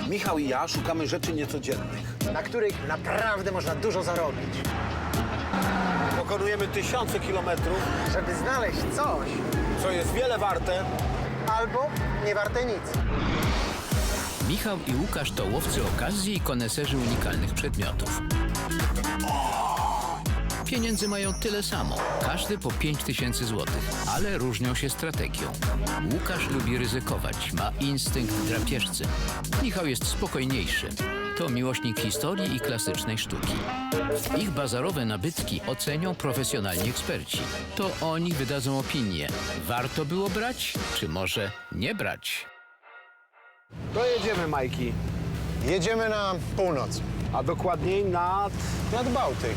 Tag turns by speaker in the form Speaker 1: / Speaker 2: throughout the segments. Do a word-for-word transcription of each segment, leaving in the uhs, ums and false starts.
Speaker 1: Michał i ja szukamy rzeczy niecodziennych.
Speaker 2: na których naprawdę można dużo zarobić.
Speaker 1: Pokonujemy tysiące kilometrów,
Speaker 2: Żeby znaleźć coś,
Speaker 1: co jest wiele warte.
Speaker 2: albo nie warte nic.
Speaker 3: Michał i Łukasz to łowcy okazji i koneserzy unikalnych przedmiotów. Pieniędzy mają tyle samo, każdy po pięć tysięcy złotych, ale różnią się strategią. Łukasz lubi ryzykować, ma instynkt drapieżcy. Michał jest spokojniejszy. To miłośnik historii i klasycznej sztuki. Ich bazarowe nabytki ocenią profesjonalni eksperci. To oni wydadzą opinię. Warto było brać, czy może nie brać?
Speaker 1: To jedziemy, Majki.
Speaker 2: Jedziemy na północ,
Speaker 1: A dokładniej nad...
Speaker 2: nad Bałtyk.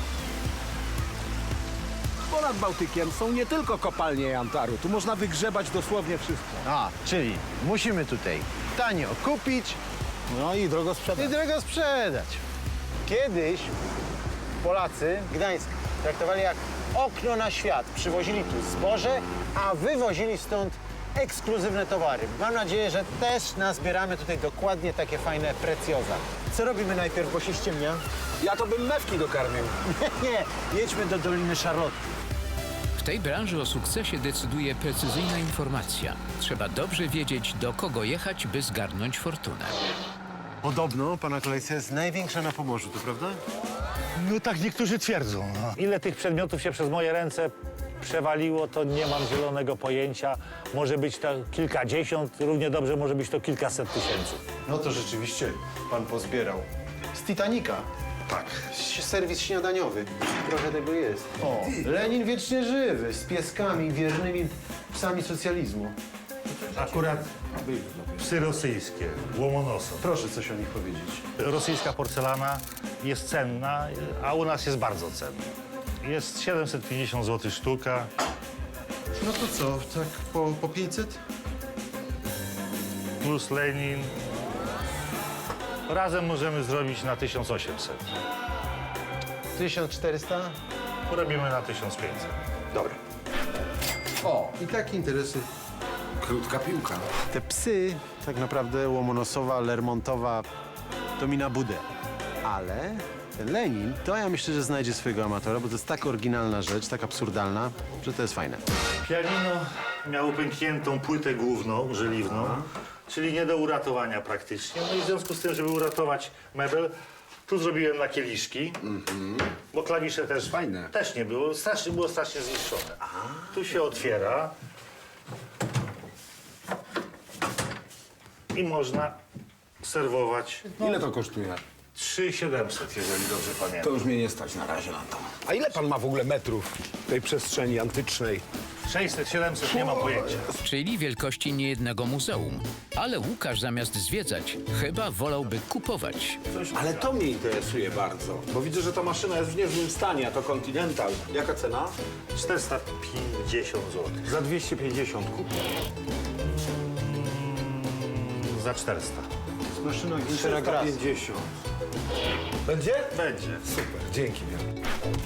Speaker 1: Ponad Bałtykiem są nie tylko kopalnie jantaru. Tu można wygrzebać dosłownie wszystko.
Speaker 2: A, czyli musimy tutaj tanio kupić
Speaker 1: No i drogo sprzedać.
Speaker 2: i drogo sprzedać. Kiedyś Polacy Gdańsk traktowali jak okno na świat. Przywozili tu zboże, a wywozili stąd ekskluzywne towary. Mam nadzieję, że też nazbieramy tutaj dokładnie takie fajne precjoza. Co robimy najpierw, bo się ściemnia?
Speaker 1: Ja to bym mewki dokarmił.
Speaker 2: Nie, jedźmy do Doliny Charlotte.
Speaker 3: W tej branży o sukcesie decyduje precyzyjna informacja. Trzeba dobrze wiedzieć, do kogo jechać, by zgarnąć fortunę.
Speaker 2: Podobno pana kolekcja jest największa na Pomorzu, to prawda?
Speaker 4: No tak niektórzy twierdzą. No. Ile tych przedmiotów się przez moje ręce przewaliło, to nie mam zielonego pojęcia. Może być to kilkadziesiąt, równie dobrze może być to kilkaset tysięcy.
Speaker 2: No to rzeczywiście pan pozbierał. Z Titanica.
Speaker 4: Tak.
Speaker 2: Serwis śniadaniowy. Trochę tego jest. O, Lenin wiecznie żywy, z pieskami, wiernymi psami socjalizmu.
Speaker 4: Akurat psy rosyjskie, Łomonosov.
Speaker 2: Proszę coś o nich powiedzieć.
Speaker 4: Rosyjska porcelana jest cenna, a u nas jest bardzo cenna. Jest siedemset pięćdziesiąt złotych sztuka.
Speaker 2: No to co, tak po, po pięćset?
Speaker 4: Plus Lenin. Razem możemy zrobić na tysiąc osiemset.
Speaker 2: tysiąc czterysta?
Speaker 4: Robimy na tysiąc pięćset.
Speaker 1: Dobra.
Speaker 2: O, i takie interesy.
Speaker 1: Krótka piłka.
Speaker 2: Te psy, tak naprawdę Łomonosowa, Lermontowa, to mi na budę. Ale ten Lenin, to ja myślę, że znajdzie swojego amatora, bo to jest tak oryginalna rzecz, tak absurdalna, że to jest fajne.
Speaker 4: Pianino miało pękniętą płytę główną, żeliwną, czyli nie do uratowania praktycznie. No i w związku z tym, żeby uratować mebel, tu zrobiłem na kieliszki, bo klawisze też,
Speaker 1: Fajne.
Speaker 4: też nie było, strasznie, było strasznie zniszczone. Tu się otwiera i można serwować
Speaker 1: Ile to kosztuje?
Speaker 4: trzy tysiące siedemset, jeżeli dobrze
Speaker 1: To
Speaker 4: pamiętam.
Speaker 1: już mnie nie stać na razie na to. A ile pan ma w ogóle metrów tej przestrzeni antycznej?
Speaker 4: sześćset, siedemset, nie mam pojęcia.
Speaker 3: Czyli wielkości niejednego muzeum. Ale Łukasz zamiast zwiedzać, chyba wolałby kupować.
Speaker 1: Ale to mnie interesuje bardzo, bo widzę, że ta maszyna jest w niezłym stanie, a to Continental. Jaka cena?
Speaker 4: czterysta pięćdziesiąt złotych.
Speaker 1: Za dwieście pięćdziesiąt kupię.
Speaker 4: Za czterysta.
Speaker 2: Maszyna
Speaker 1: trzysta pięćdziesiąt. Będzie?
Speaker 4: Będzie.
Speaker 1: Super, dzięki wielkie.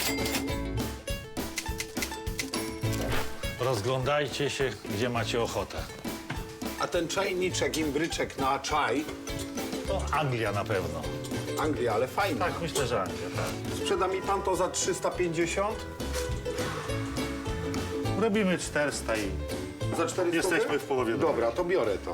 Speaker 4: Rozglądajcie się, gdzie macie ochotę.
Speaker 1: A ten czajniczek, imbryczek na czaj,
Speaker 4: To Anglia na pewno.
Speaker 1: Anglia, ale fajna.
Speaker 4: Tak, myślę, że Anglia, tak.
Speaker 1: Sprzeda mi pan to za trzysta pięćdziesiąt?
Speaker 4: Robimy czterysta i
Speaker 1: Za czterysta?
Speaker 4: Jesteśmy w połowie drogi.
Speaker 1: Dobra, to biorę to.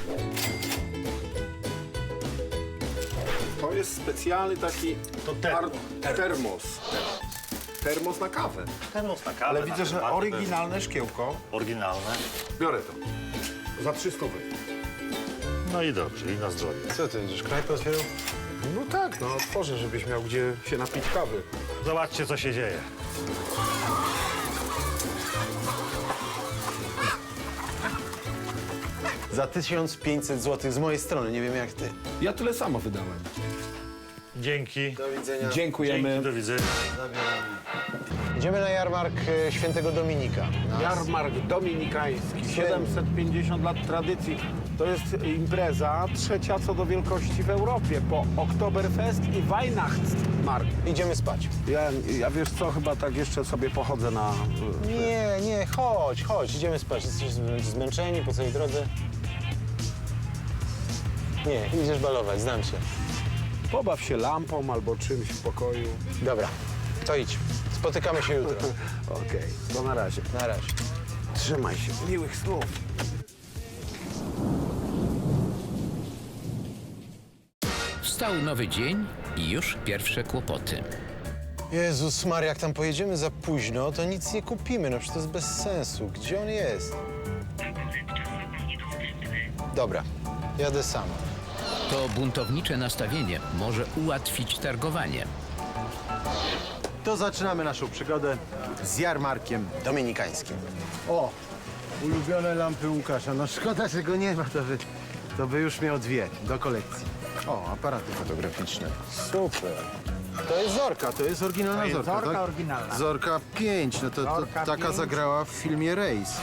Speaker 1: To jest specjalny taki
Speaker 4: To termo.
Speaker 1: ar- termos. Termos na kawę.
Speaker 4: termos na kawę.
Speaker 1: Ale
Speaker 4: na
Speaker 1: widzę, że
Speaker 4: herbatę
Speaker 1: oryginalne szkiełko.
Speaker 4: też. Oryginalne.
Speaker 1: Biorę to. Za trzysta.
Speaker 4: No i dobrze, i na zdrowie.
Speaker 2: Co ty, będziesz knajpę otwierał?
Speaker 1: No tak, no otworzę, żebyś miał gdzie się napić kawy.
Speaker 4: Zobaczcie, co się dzieje.
Speaker 2: Za tysiąc pięćset złotych z mojej strony, nie wiem jak ty.
Speaker 1: Ja tyle samo wydałem.
Speaker 4: Dzięki.
Speaker 2: Do widzenia.
Speaker 1: Dziękujemy.
Speaker 4: Dzięki, do widzenia.
Speaker 2: Idziemy na jarmark e, Świętego Dominika. Na
Speaker 1: Jarmark dominikański, siedemset pięćdziesiąt lat tradycji. To jest impreza trzecia co do wielkości w Europie, po Oktoberfest i Weihnachtsmarkt.
Speaker 2: Idziemy spać.
Speaker 1: Ja, ja wiesz co, chyba tak jeszcze sobie pochodzę na...
Speaker 2: Nie, nie, chodź, chodź, idziemy spać. Jesteśmy zmęczeni po całej drodze. Nie, idziesz balować, znam się.
Speaker 1: Pobaw się lampą albo czymś w pokoju.
Speaker 2: Dobra, to idź. Spotykamy się jutro.
Speaker 1: Okej, to na razie.
Speaker 2: Na razie.
Speaker 1: Trzymaj się. Miłych snów.
Speaker 3: Wstał nowy dzień i już pierwsze kłopoty.
Speaker 2: Jezus Maria, jak tam pojedziemy za późno, to nic nie kupimy. No przecież to jest bez sensu. Gdzie on jest? Dobra, jadę sam.
Speaker 3: To buntownicze nastawienie może ułatwić targowanie.
Speaker 2: To zaczynamy naszą przygodę z jarmarkiem dominikańskim. O, ulubione lampy Łukasza. No szkoda, że go nie ma, to by, to by już miał dwie do kolekcji. O, aparaty fotograficzne. Super. To jest Zorka, to jest oryginalna
Speaker 1: To jest
Speaker 2: Zorka,
Speaker 1: Zorka
Speaker 2: tak?
Speaker 1: oryginalna.
Speaker 2: Zorka pięć, no to, to
Speaker 1: Zorka
Speaker 2: taka
Speaker 1: pięć.
Speaker 2: zagrała w filmie Race.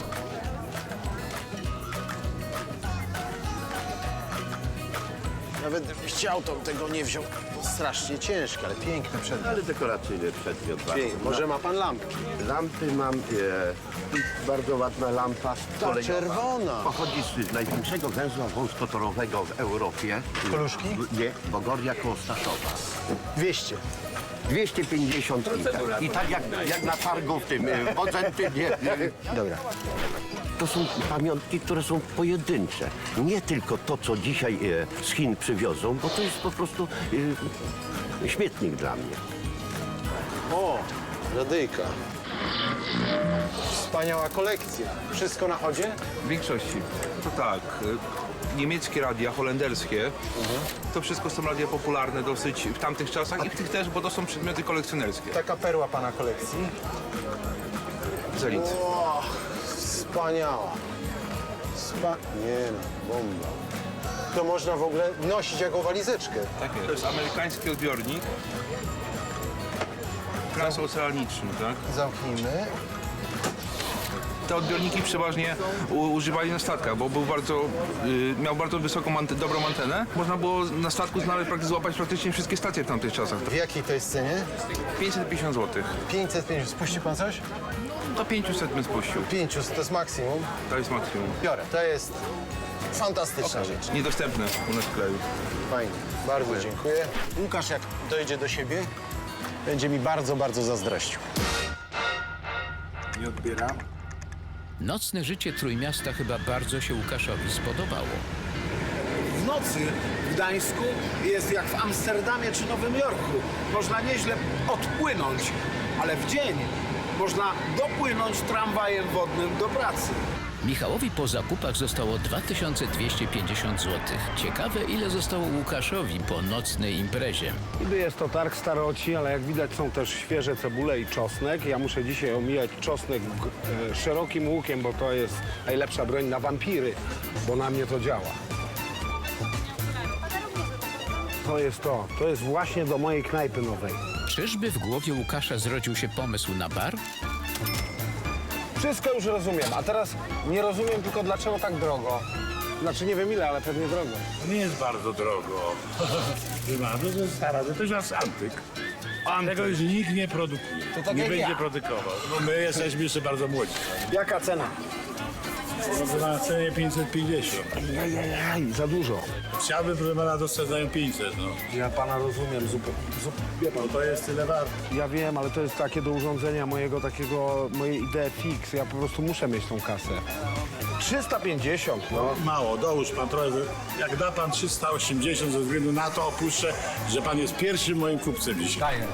Speaker 2: Nawet gdybym chciał, to tego nie wziął. To strasznie ciężkie, ale piękne przedmiot.
Speaker 5: Ale dekoracyjny przedmiot.
Speaker 2: Piękne. Może ma pan lampki?
Speaker 5: Lampy mam, e, bardzo ładna lampa
Speaker 2: Ta
Speaker 5: kolejowa.
Speaker 2: czerwona.
Speaker 5: Pochodzi z największego węzła wąskotorowego w Europie.
Speaker 2: Koluszki?
Speaker 5: Nie, Bogoria koło Staszowa.
Speaker 2: dwieście.
Speaker 5: dwieście pięćdziesiąt i tak, i tak jak, jak na targu w tym, e, w Bodzentynie.
Speaker 2: Dobra.
Speaker 5: To są pamiątki, które są pojedyncze. Nie tylko to, co dzisiaj e, z Chin przywiozą, bo to jest po prostu e, śmietnik dla mnie.
Speaker 2: O, radyjka. Wspaniała kolekcja. Wszystko na chodzie?
Speaker 6: W większości. To tak. y, Niemieckie radia, holenderskie. To wszystko są radia popularne dosyć w tamtych czasach i w tych też, bo to są przedmioty kolekcjonerskie.
Speaker 2: Taka perła pana kolekcji.
Speaker 6: Zelit.
Speaker 2: O, wspaniała. Spa... Nie no, bomba. To można w ogóle nosić jako walizeczkę.
Speaker 6: Tak jest. To jest amerykański odbiornik. Transoceaniczny, tak?
Speaker 2: Zamknijmy.
Speaker 6: Te odbiorniki przeważnie u, używali na statkach, bo był bardzo, y, miał bardzo wysoką, ante, dobrą antenę. Można było na statku znaleźć, praktycznie złapać praktycznie wszystkie stacje w tamtych czasach.
Speaker 2: W jakiej to jest cenie?
Speaker 6: pięćset pięćdziesiąt złotych.
Speaker 2: pięćset pięćdziesiąt. Spuści pan coś?
Speaker 6: Do pięćset bym spuścił.
Speaker 2: pięćset, to jest maksimum.
Speaker 6: To jest maksimum.
Speaker 2: Biorę. To jest fantastyczna rzecz.
Speaker 6: Niedostępne u nas w kraju.
Speaker 2: Fajnie. Bardzo dziękuję. Łukasz, jak dojdzie do siebie, będzie mi bardzo, bardzo zazdrościł.
Speaker 1: Nie odbieram.
Speaker 3: Nocne życie Trójmiasta chyba bardzo się Łukaszowi spodobało.
Speaker 1: W nocy w Gdańsku jest jak w Amsterdamie czy Nowym Jorku. Można nieźle odpłynąć, ale w dzień można dopłynąć tramwajem wodnym do pracy.
Speaker 3: Michałowi po zakupach zostało dwa tysiące dwieście pięćdziesiąt złotych. Ciekawe, ile zostało Łukaszowi po nocnej imprezie.
Speaker 1: Niby jest to targ staroci, ale jak widać są też świeże cebule i czosnek. Ja muszę dzisiaj omijać czosnek e, szerokim łukiem, bo to jest najlepsza broń na wampiry, bo na mnie to działa. To jest to. To jest właśnie do mojej knajpy nowej.
Speaker 3: Czyżby w głowie Łukasza zrodził się pomysł na bar?
Speaker 1: Wszystko już rozumiem, a teraz nie rozumiem tylko dlaczego tak drogo. Znaczy nie wiem ile, ale pewnie drogo.
Speaker 7: To nie jest bardzo drogo. Wymaga, to jest stara, to jest antyk. Tego już nikt nie produkuje.
Speaker 1: To tak
Speaker 7: nie
Speaker 1: jak
Speaker 7: będzie
Speaker 1: ja.
Speaker 7: produkował. No my jesteśmy jeszcze bardzo młodzi.
Speaker 1: Jaka cena?
Speaker 7: No to na cenie pięćset pięćdziesiąt.
Speaker 1: Jajajaj, za dużo.
Speaker 7: Chciałbym, proszę pana, dostać za nią pięćset, no.
Speaker 1: Ja pana rozumiem, zupełnie. Wie pan,
Speaker 7: No to jest tyle warte.
Speaker 1: ja wiem, ale to jest takie do urządzenia mojego takiego, mojej idei fix. Ja po prostu muszę mieć tą kasę. trzysta pięćdziesiąt, no.
Speaker 7: Mało, dołóż pan trochę. Jak da pan trzysta osiemdziesiąt, ze względu na to opuszczę, że pan jest pierwszym moim kupcem dzisiaj.
Speaker 1: Daję.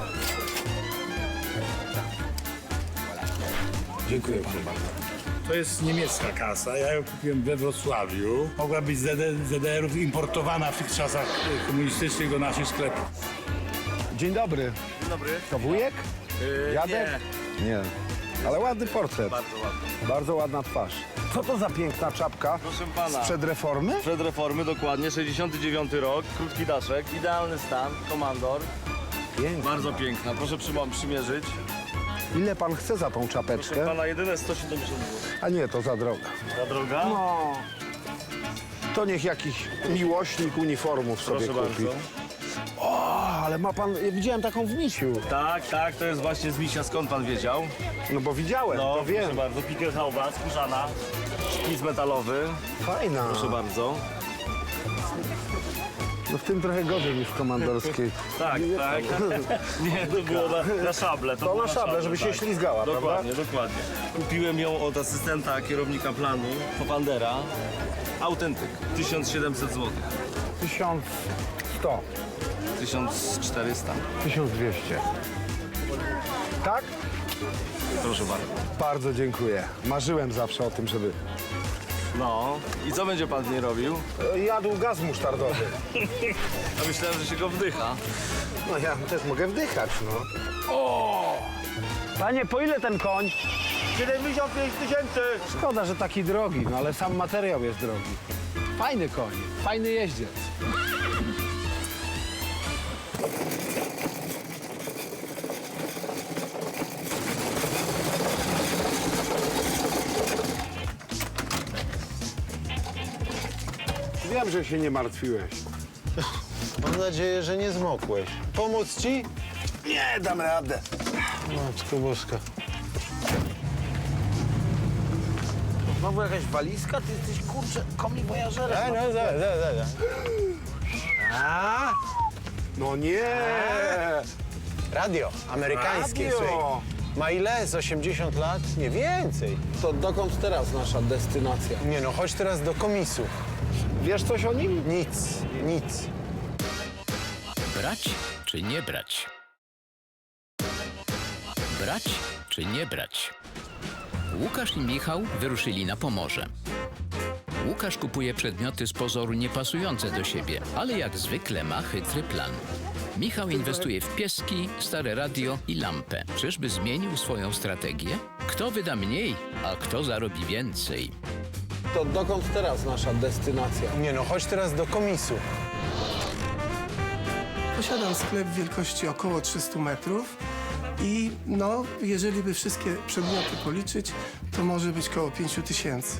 Speaker 1: Dziękuję panu bardzo.
Speaker 7: To jest niemiecka kasa, ja ją kupiłem we Wrocławiu. Mogła być z Z D R-ów importowana w tych czasach e, komunistycznych do naszych sklepów.
Speaker 1: Dzień dobry. Dzień dobry. To wujek? Jadek? Nie. Nie. Ale ładny portret. Bardzo ładny. Bardzo ładna twarz. Co to za piękna czapka?
Speaker 8: Proszę pana.
Speaker 1: Sprzed reformy?
Speaker 8: Przed reformy, dokładnie, sześćdziesiąty dziewiąty rok, krótki daszek, idealny stan, komandor,
Speaker 1: Piękna.
Speaker 8: bardzo piękna, proszę przy, przymierzyć.
Speaker 1: Ile pan chce za tą
Speaker 8: Proszę
Speaker 1: czapeczkę?
Speaker 8: pana, jedyne sto siedemdziesiąt złotych.
Speaker 1: A nie, to za droga.
Speaker 8: Ta droga?
Speaker 1: No. To niech jakiś miłośnik uniformów sobie
Speaker 8: Proszę
Speaker 1: kupi.
Speaker 8: bardzo.
Speaker 1: O, ale ma pan, ja widziałem taką w misiu.
Speaker 8: Tak, tak, to jest właśnie z misia, skąd pan wiedział?
Speaker 1: No bo widziałem,
Speaker 8: No,
Speaker 1: to wiem.
Speaker 8: proszę bardzo, Pickelhauba, skórzana, szpic metalowy,
Speaker 1: Fajna.
Speaker 8: proszę bardzo.
Speaker 1: No w tym trochę gorzej niż w komandorskiej.
Speaker 8: Tak, tak. Nie, to było na, na szable.
Speaker 1: To
Speaker 8: było
Speaker 1: na szable, żeby się ślizgała, prawda?
Speaker 8: Dokładnie, dokładnie. Kupiłem ją od asystenta kierownika planu, Hofandera. Autentyk, tysiąc siedemset złotych.
Speaker 1: tysiąc sto.
Speaker 8: tysiąc czterysta.
Speaker 1: tysiąc dwieście. Tak?
Speaker 8: Proszę bardzo.
Speaker 1: Bardzo dziękuję. Marzyłem zawsze o tym, żeby...
Speaker 8: No, i co będzie pan z niej robił?
Speaker 1: Jadł gaz musztardowy.
Speaker 8: A myślałem, że się go wdycha.
Speaker 1: No ja też mogę wdychać, no.
Speaker 2: Panie, po ile ten koń?
Speaker 1: siedemdziesiąt pięć tysięcy!
Speaker 2: Szkoda, że taki drogi, no ale sam materiał jest drogi. Fajny koń, fajny jeździec.
Speaker 1: Wiem, że się nie martwiłeś.
Speaker 2: Mam nadzieję, że nie zmokłeś. Pomóc ci?
Speaker 1: Nie, dam radę.
Speaker 2: Matko boska.
Speaker 1: Znowu jakaś walizka? Ty jesteś, kurczę, komiwojażerem.
Speaker 2: Ej, no, za, za, za, za. A?
Speaker 1: No nie!
Speaker 2: Radio amerykańskie,
Speaker 1: Radio.
Speaker 2: słuchaj. Ma ile? Z osiemdziesiąt lat? Nie więcej.
Speaker 1: To dokąd teraz nasza destynacja?
Speaker 2: Nie no, chodź teraz do komisu.
Speaker 1: Wiesz coś o nim?
Speaker 2: Nic, nic.
Speaker 3: Brać czy nie brać? Brać czy nie brać? Łukasz i Michał wyruszyli na Pomorze. Łukasz kupuje przedmioty z pozoru niepasujące do siebie, ale jak zwykle ma chytry plan. Michał inwestuje w pieski, stare radio i lampę. Czyżby zmienił swoją strategię? Kto wyda mniej, a kto zarobi więcej?
Speaker 1: To dokąd teraz nasza destynacja?
Speaker 2: Nie no, chodź teraz do komisu.
Speaker 9: Posiadam sklep wielkości około trzystu metrów i no, jeżeli by wszystkie przedmioty policzyć, to może być koło pięciu tysięcy.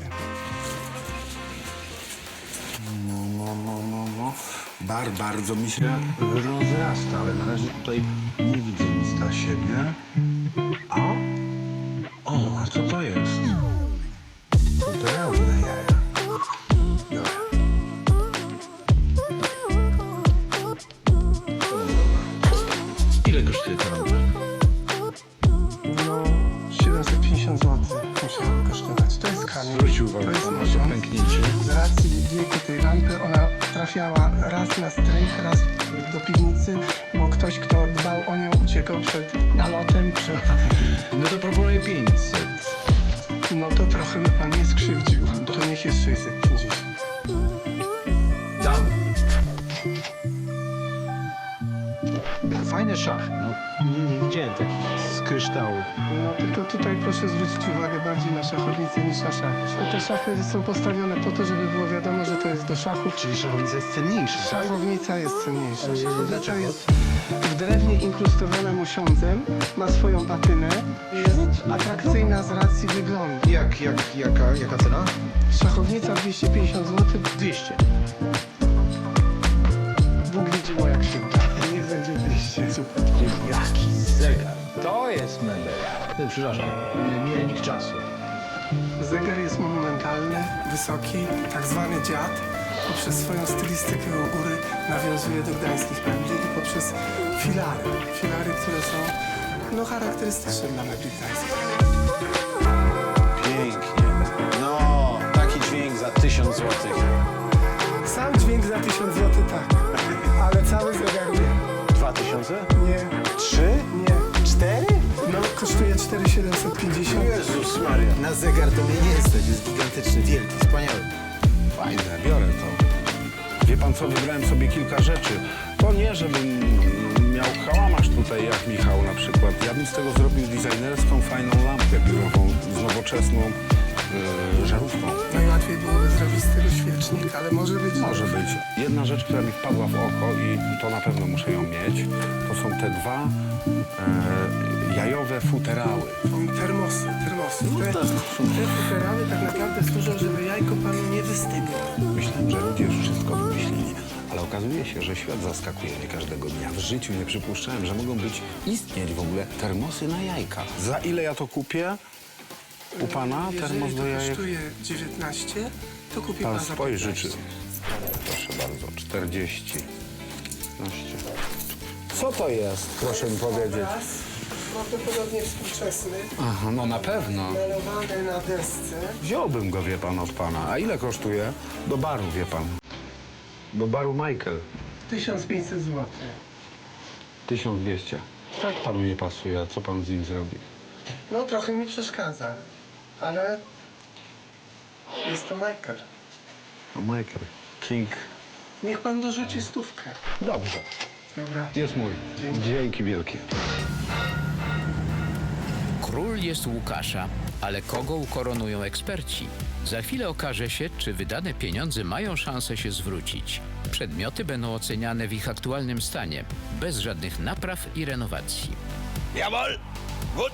Speaker 10: No, no, no, no, no. Bar bardzo mi się rozrasta, ale na razie tutaj nie widzę nic dla siebie. A? O, a co to jest? Futeralne jaja. Biorę. Ile kosztuje ta lampa?
Speaker 9: No, siedemset pięćdziesiąt złotych musiało kosztować. To jest kamień.
Speaker 10: Zwróć uwagę,
Speaker 9: To jest
Speaker 10: to ma
Speaker 9: poziom.
Speaker 10: pęknięcie.
Speaker 9: Z racji wieku tej lampy ona trafiała raz na strych, raz do piwnicy, bo ktoś, kto dbał o nią, uciekał przed nalotem, przed...
Speaker 10: No to proponuję pięćset.
Speaker 9: No to trochę mnie pan nie skrzywdził. To niech jest sześćset pięćdziesiąt.
Speaker 10: Dam. Fajny szach. No,
Speaker 2: Nie, nie widziałem tak z kryształu.
Speaker 9: No tylko tutaj proszę zwrócić uwagę bardziej na szachownicę niż na szachy. Te szachy są postawione po to, żeby było wiadomo, że to jest do szachów.
Speaker 10: czyli szachownica jest cenniejsza.
Speaker 9: Szachownica jest cenniejsza. Szachownica jest w drewnie inkrustowana musiądzem, ma swoją patynę, jest atrakcyjna z racji wyglądu.
Speaker 10: Jak, jak, jaka, jaka cena?
Speaker 9: Szachownica dwieście pięćdziesiąt złotych.
Speaker 10: dwieście.
Speaker 9: Bóg widzi moja krzywda. Niech będzie dwieście. Super.
Speaker 10: Jaki zegar. To jest mebel. Przepraszam, miernik czasu.
Speaker 9: Zegar jest monumentalny, wysoki, tak zwany dziad. Poprzez swoją stylistykę u góry nawiązuje do gdańskich mebli i poprzez filary. Filary, które są no, charakterystyczne dla mebli gdańskich.
Speaker 2: Pięknie. No, taki dźwięk za tysiąc złotych.
Speaker 9: Sam dźwięk za tysiąc złotych, tak. Ale cały zegar nie.
Speaker 2: Dwa tysiące?
Speaker 9: Nie,
Speaker 2: Trzy?
Speaker 9: nie.
Speaker 2: Cztery?
Speaker 9: No, kosztuje cztery tysiące siedemset pięćdziesiąt.
Speaker 2: Jezus Maria. Na zegar to mnie nie stać, jest gigantyczny, wielki, wspaniały.
Speaker 1: Fajne, biorę to. Wie pan co, wybrałem sobie kilka rzeczy. To nie, żebym miał kałamarz tutaj jak Michał na przykład. Ja bym z tego zrobił designerską, fajną lampę biurową z nowoczesną yy, żarówką.
Speaker 9: Najłatwiej byłoby zrobić z tego świecznik, ale może być...
Speaker 1: Może być. Jedna rzecz, która mi wpadła w oko i to na pewno muszę ją mieć, to są te dwa e, jajowe futerały.
Speaker 9: Termosy, termosy. Te, te futerały tak naprawdę służą, żeby jajko panu nie wystygło.
Speaker 1: Myślałem, że ludzie już wszystko wymyślili, ale okazuje się, że świat zaskakuje mnie każdego dnia. W życiu nie przypuszczałem, że mogą być, istnieć w ogóle termosy na jajka. Za ile ja to kupię? U pana termos
Speaker 9: Jeżeli
Speaker 1: do
Speaker 9: to
Speaker 1: jajek?
Speaker 9: kosztuje dziewiętnaście, to kupi pan
Speaker 1: Pan
Speaker 9: za
Speaker 1: spojrzy, czy...
Speaker 9: piętnaście.
Speaker 1: Proszę bardzo, czterdzieści.
Speaker 10: piętnaście.
Speaker 1: Co to jest, proszę mi powiedzieć?
Speaker 9: Obraz prawdopodobnie współczesny,
Speaker 10: Aha, no na pewno.
Speaker 9: malowany na desce.
Speaker 10: Wziąłbym go, wie pan, od pana. A ile kosztuje? Do baru, wie pan. Do baru Michael.
Speaker 9: tysiąc pięćset złotych.
Speaker 10: tysiąc dwieście. Tak panu nie pasuje, a co pan z nim zrobi?
Speaker 9: No trochę mi przeszkadza, ale jest to Michael.
Speaker 10: No Michael. King.
Speaker 9: Niech pan dorzuci stówkę.
Speaker 10: Dobrze.
Speaker 9: Dobra.
Speaker 10: Jest mój. Dzięki wielkie.
Speaker 3: Król jest Łukasza, ale kogo ukoronują eksperci? Za chwilę okaże się, czy wydane pieniądze mają szansę się zwrócić. Przedmioty będą oceniane w ich aktualnym stanie, bez żadnych napraw i renowacji.
Speaker 8: Jabol! Gut!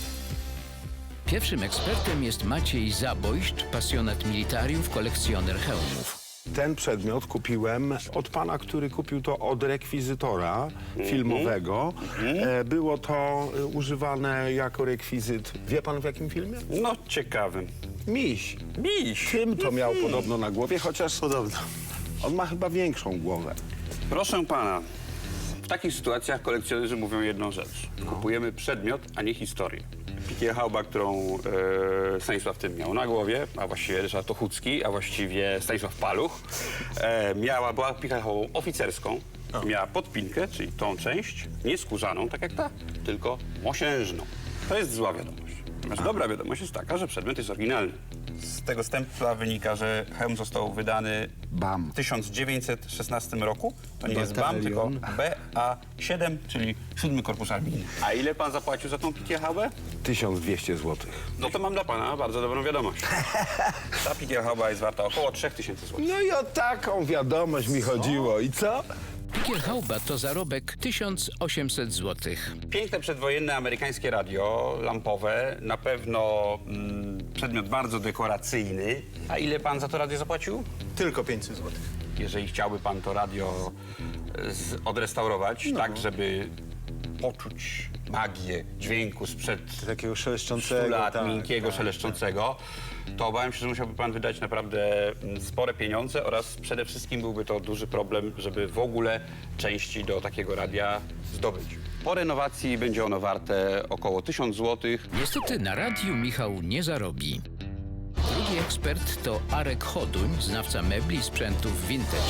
Speaker 3: Pierwszym ekspertem jest Maciej Zabojszcz, pasjonat militariów, kolekcjoner hełmów.
Speaker 10: Ten przedmiot kupiłem od pana, który kupił to od rekwizytora filmowego. E, Było to e, używane jako rekwizyt. Wie pan w jakim filmie?
Speaker 11: No, ciekawym.
Speaker 10: Miś.
Speaker 11: Miś.
Speaker 10: Tym to miał podobno na głowie, chociaż
Speaker 11: Podobno.
Speaker 10: on ma chyba większą głowę.
Speaker 11: Proszę pana, w takich sytuacjach kolekcjonerzy mówią jedną rzecz. Kupujemy przedmiot, a nie historię. Pikierhauba, którą e, Stanisław Tym miał na głowie, a właściwie Ryszard Ochódzki, a właściwie Stanisław Paluch, e, miała, była pikierhaubą oficerską. Miała podpinkę, czyli tą część, nie skórzaną, tak jak ta, tylko mosiężną. To jest zła wiadomość. Natomiast dobra wiadomość jest taka, że przedmiot jest oryginalny. Z tego stempla wynika, że hełm został wydany
Speaker 10: Bam.
Speaker 11: w tysiąc dziewięćset szesnastym roku. To nie jest B A M, tylko B A siedem, czyli siódmy Korpus Armijny. A ile pan zapłacił za tą pikierhaubę?
Speaker 10: tysiąc dwieście złotych.
Speaker 11: No to mam dla pana bardzo dobrą wiadomość. Ta pikierhauba jest warta około trzy tysiące złotych.
Speaker 10: No i o taką wiadomość mi chodziło. I co?
Speaker 3: Pikierhauba to zarobek tysiąc osiemset złotych.
Speaker 11: Piękne przedwojenne amerykańskie radio lampowe, na pewno mm, przedmiot bardzo dekoracyjny. A ile pan za to radio zapłacił?
Speaker 2: Tylko pięćset złotych.
Speaker 11: Jeżeli chciałby pan to radio e, z, odrestaurować, tak żeby poczuć magię dźwięku sprzed
Speaker 2: Takiego
Speaker 11: stu
Speaker 2: szeleszczącego.
Speaker 11: lat,
Speaker 2: tak,
Speaker 11: miękkiego,
Speaker 2: tak,
Speaker 11: szeleszczącego, to obawiam się, że musiałby pan wydać naprawdę mm, spore pieniądze oraz przede wszystkim byłby to duży problem, żeby w ogóle części do takiego radia zdobyć. Po renowacji będzie ono warte około tysiąc złotych.
Speaker 3: Niestety na radiu Michał nie zarobi. Drugi ekspert to Arek Choduń, znawca mebli i sprzętów vintage.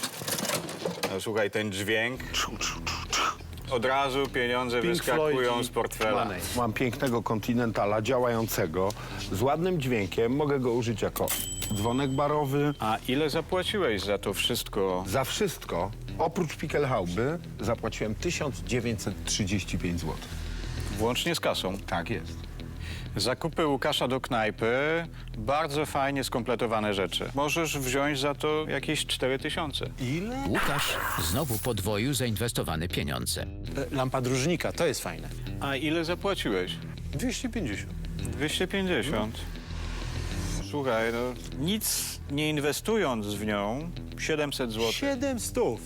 Speaker 12: No, słuchaj, ten dźwięk, od razu pieniądze
Speaker 10: Pink
Speaker 12: wyskakują
Speaker 10: Floyd i
Speaker 12: z portfela.
Speaker 10: Money. Mam pięknego Continentala działającego, z ładnym dźwiękiem. Mogę go użyć jako dzwonek barowy.
Speaker 12: A ile zapłaciłeś za to wszystko?
Speaker 10: Za wszystko, oprócz Pickelhauby, zapłaciłem tysiąc dziewięćset trzydzieści pięć złotych.
Speaker 12: Włącznie z kasą.
Speaker 10: Tak jest.
Speaker 12: Zakupy Łukasza do knajpy, bardzo fajnie skompletowane rzeczy. Możesz wziąć za to jakieś cztery tysiące.
Speaker 10: Ile?
Speaker 3: Łukasz znowu podwoił zainwestowane pieniądze.
Speaker 2: Lampa dróżnika, to jest fajne.
Speaker 12: A ile zapłaciłeś?
Speaker 2: dwieście pięćdziesiąt.
Speaker 12: dwieście pięćdziesiąt. Słuchaj, no nic nie inwestując w nią, siedemset złotych.
Speaker 2: siedem stów.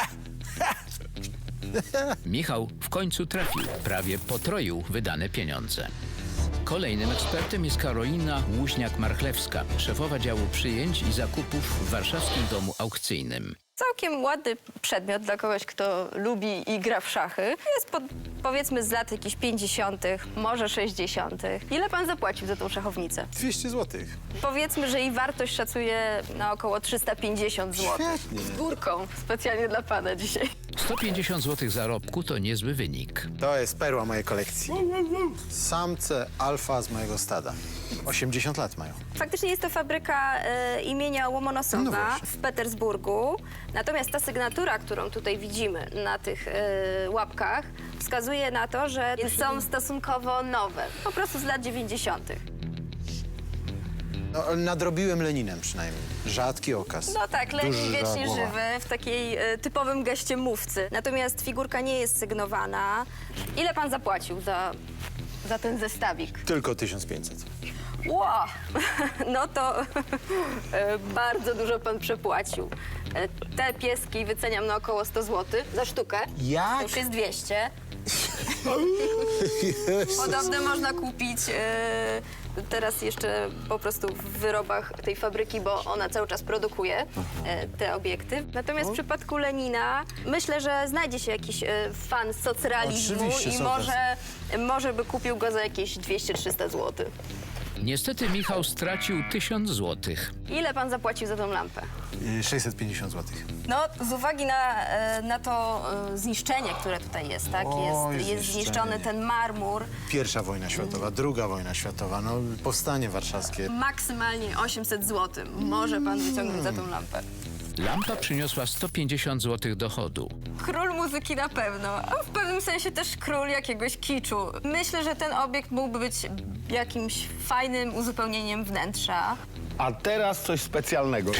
Speaker 3: Michał w końcu trafił, prawie potroił wydane pieniądze. Kolejnym ekspertem jest Karolina Łuźniak-Marchlewska, szefowa działu przyjęć i zakupów w warszawskim domu aukcyjnym.
Speaker 13: Całkiem ładny przedmiot dla kogoś, kto lubi i gra w szachy. Jest pod, powiedzmy z lat jakichś pięćdziesiątych, może sześćdziesiątych. Ile pan zapłacił za tą szachownicę?
Speaker 2: dwieście złotych.
Speaker 13: Powiedzmy, że jej wartość szacuje na około trzysta pięćdziesiąt złotych.
Speaker 2: Świetnie.
Speaker 13: Z górką, specjalnie dla pana dzisiaj.
Speaker 3: sto pięćdziesiąt złotych zarobku to niezły wynik.
Speaker 2: To jest perła mojej kolekcji. Samce alfa z mojego stada. osiemdziesiąt lat mają.
Speaker 13: Faktycznie jest to fabryka e, imienia Łomonosowa
Speaker 2: No właśnie.
Speaker 13: w Petersburgu. Natomiast ta sygnatura, którą tutaj widzimy na tych e, łapkach, wskazuje na to, że są stosunkowo nowe. Po prostu z lat dziewięćdziesiątych.
Speaker 2: No, nadrobiłem Leninem przynajmniej. Rzadki okaz.
Speaker 13: No tak, Lenin
Speaker 2: Duża
Speaker 13: wiecznie
Speaker 2: głowa.
Speaker 13: żywy w takiej e, typowym geście mówcy. Natomiast figurka nie jest sygnowana. Ile pan zapłacił za, za ten zestawik?
Speaker 2: Tylko tysiąc pięćset.
Speaker 13: Ło! No to e, bardzo dużo pan przepłacił. E, Te pieski wyceniam na około sto złotych za sztukę.
Speaker 2: Jak?
Speaker 13: To już jest dwieście. Podobne można kupić e, teraz jeszcze po prostu w wyrobach tej fabryki, bo ona cały czas produkuje e, te obiekty. Natomiast w przypadku Lenina myślę, że znajdzie się jakiś e, fan socrealizmu
Speaker 2: Oczywiście,
Speaker 13: i
Speaker 2: są
Speaker 13: może, może by kupił go za jakieś dwieście trzysta złotych.
Speaker 3: Niestety Michał stracił tysiąc złotych.
Speaker 13: Ile pan zapłacił za tą lampę?
Speaker 2: sześćset pięćdziesiąt złotych.
Speaker 13: No, z uwagi na, e, na to e, zniszczenie, które tutaj jest, tak?
Speaker 2: Oj,
Speaker 13: Jest, jest
Speaker 2: zniszczenie.
Speaker 13: zniszczony ten marmur.
Speaker 2: Pierwsza wojna światowa, druga wojna światowa, no powstanie warszawskie.
Speaker 13: Maksymalnie osiemset złotych może pan wyciągnąć za tą lampę.
Speaker 3: Lampa przyniosła sto pięćdziesiąt złotych dochodu.
Speaker 13: Król muzyki na pewno, a w pewnym sensie też król jakiegoś kiczu. Myślę, że ten obiekt mógłby być jakimś fajnym uzupełnieniem wnętrza.
Speaker 10: A teraz coś specjalnego.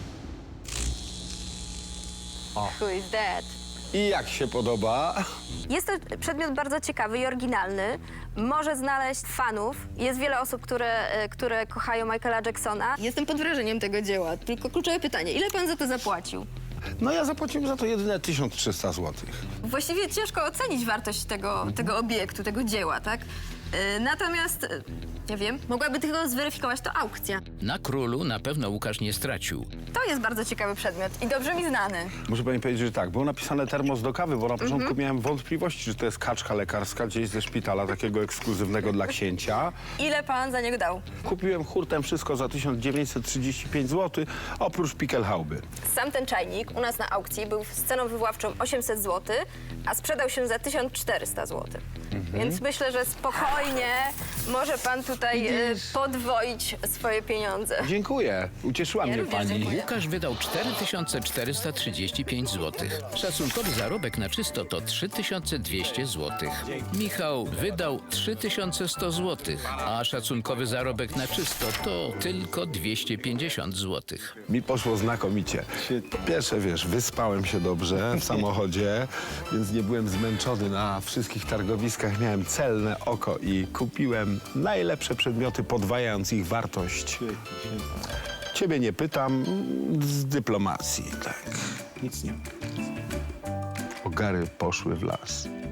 Speaker 13: Who is that?
Speaker 10: I jak się podoba?
Speaker 13: Jest to przedmiot bardzo ciekawy i oryginalny. Może znaleźć fanów. Jest wiele osób, które, e, które kochają Michaela Jacksona. Jestem pod wrażeniem tego dzieła. Tylko kluczowe pytanie, ile pan za to zapłacił?
Speaker 10: No ja zapłaciłem za to jedyne tysiąc trzysta złotych.
Speaker 13: Właściwie ciężko ocenić wartość tego, tego obiektu, tego dzieła, tak? E, Natomiast, e, nie wiem, mogłaby tylko zweryfikować to aukcja.
Speaker 3: Na królu na pewno Łukasz nie stracił.
Speaker 13: To jest bardzo ciekawy przedmiot i dobrze mi znany.
Speaker 10: Muszę pani powiedzieć, że tak, było napisane termos do kawy, bo na początku miałem wątpliwości, że to jest kaczka lekarska gdzieś ze szpitala, takiego ekskluzywnego dla księcia.
Speaker 13: Ile pan za niego dał?
Speaker 10: Kupiłem hurtem wszystko za tysiąc dziewięćset trzydzieści pięć złotych, oprócz Pickelhauby.
Speaker 13: Sam ten czajnik u nas na aukcji był z ceną wywoławczą osiemset złotych, a sprzedał się za tysiąc czterysta złotych. Więc myślę, że spokojnie może pan tutaj e, podwoić swoje pieniądze.
Speaker 10: Dziękuję, ucieszyła
Speaker 13: Ja
Speaker 10: mnie
Speaker 13: również
Speaker 10: pani.
Speaker 13: dziękuję.
Speaker 3: Łukasz wydał cztery tysiące czterysta trzydzieści pięć złotych. Szacunkowy zarobek na czysto to trzy tysiące dwieście złotych. Michał wydał trzy tysiące sto złotych, a szacunkowy zarobek na czysto to tylko dwieście pięćdziesiąt złotych.
Speaker 10: Mi poszło znakomicie. Po pierwsze, wiesz, wyspałem się dobrze w samochodzie, więc nie byłem zmęczony na wszystkich targowiskach. Miałem celne oko i kupiłem najlepsze przedmioty, podwajając ich wartość. Ciebie nie pytam, z dyplomacji, tak. Nic nie. Ogary poszły w las.